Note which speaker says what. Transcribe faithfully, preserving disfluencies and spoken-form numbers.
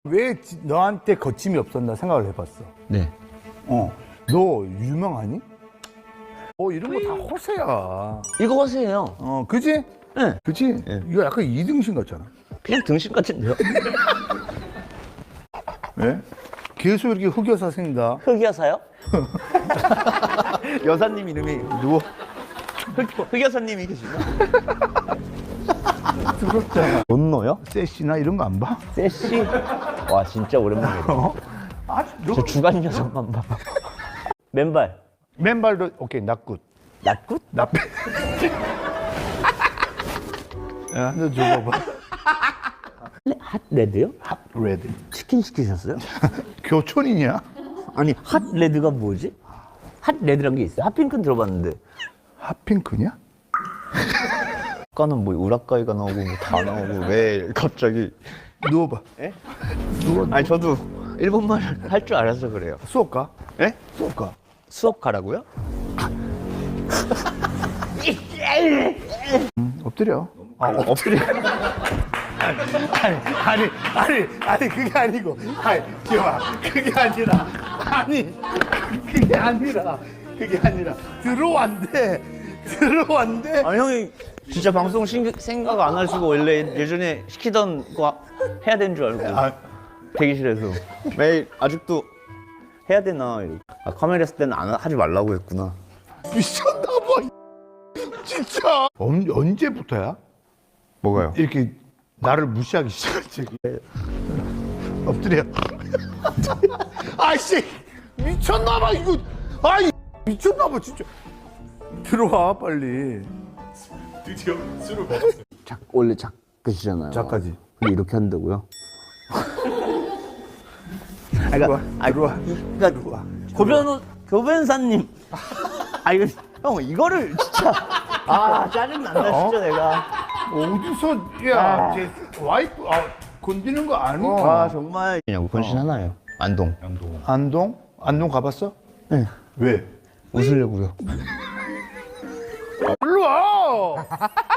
Speaker 1: 왜 지- 너한테 거침이 없었나 생각을 해봤어.
Speaker 2: 네.
Speaker 1: 어, 너 유명하니? 어, 이런 거 다 허세야.
Speaker 2: 이거 허세예요.
Speaker 1: 어, 그지?
Speaker 2: 네.
Speaker 1: 그지?
Speaker 2: 네.
Speaker 1: 이거 약간 이등신 같잖아.
Speaker 2: 그냥 등신 같은데요?
Speaker 1: 왜? 계속 이렇게 흑여사 생긴다.
Speaker 2: 흑여사요? 여사님 이름이
Speaker 1: 누워.
Speaker 2: 흑, 흑여사님이 계시나?
Speaker 1: 부럽잖아.
Speaker 2: 돈 넣어요?
Speaker 1: 세시나 이런 거 안 봐?
Speaker 2: 세시? 와 진짜 오랜만이다.
Speaker 1: 어? 아주 너
Speaker 2: 저 주간 녀석만 봐. 맨발.
Speaker 1: 맨발도 오케이 낫굿.
Speaker 2: 낫굿?
Speaker 1: 나빼. 야, 너 줘봐봐.
Speaker 2: 핫 레드요?
Speaker 1: 핫 레드.
Speaker 2: 치킨 시키셨어요?
Speaker 1: 교촌이냐?
Speaker 2: 아니 핫 레드가 뭐지? 핫 레드란 게 있어요? 핫핑크는 들어봤는데
Speaker 1: 핫핑크냐?
Speaker 2: 아까는 뭐 우라카이가 나오고 뭐 다 나오고 왜 갑자기
Speaker 1: 누워봐.
Speaker 2: 에?
Speaker 1: 누워.
Speaker 2: 아니 저도 일본말 할 줄 알아서 그래요.
Speaker 1: 수업 가?
Speaker 2: 에?
Speaker 1: 수업 가.
Speaker 2: 수업 가라고요?
Speaker 1: 음, 엎드려.
Speaker 2: 아, 엎드려.
Speaker 1: 아니, 아니, 아니, 아니, 그게 아니고. 아니, 기봐. 그게 아니라. 아니, 그게 아니라. 그게 아니라. 들어왔는데, 들어왔는데.
Speaker 2: 아니 형이 진짜 방송 신, 생각 안 하시고 원래 예전에 시키던 거 해야 되는 줄 알고
Speaker 1: 아,
Speaker 2: 대기실에서 매일 아직도 해야 되나 이러고. 아, 카메라 했을 때는 안 하- 하지 말라고 했구나.
Speaker 1: 미쳤나봐. 진짜. 언, 언제부터야?
Speaker 2: 뭐가요?
Speaker 1: 이렇게 나를 무시하기 시작했지. 엎드려. 아이씨, 미쳤나봐, 이거. 아이, 미쳤나봐, 진짜. 들어와, 빨리.
Speaker 3: 드디어 술을 먹었어요.
Speaker 2: 작, 원래 작가시잖아요.
Speaker 1: 작가지.
Speaker 2: 근데 이렇게 한다고요?
Speaker 1: 들어와,
Speaker 2: 아,
Speaker 1: 들어와.
Speaker 2: 그러니까
Speaker 1: 들어와.
Speaker 2: 고변호 교변사님. 아 이거 형 이거를 진짜 아 짜증 난다
Speaker 1: 어?
Speaker 2: 진짜 내가.
Speaker 1: 어디서, 야, 제 와이프, 아, 건드는 거 아니야?
Speaker 2: 아 정말. 그냥 건신 하나예요. 안동.
Speaker 3: 양동.
Speaker 1: 안동? 안동 가봤어?
Speaker 2: 네.
Speaker 1: 왜?
Speaker 2: 웃으려고요.
Speaker 1: 일로 와!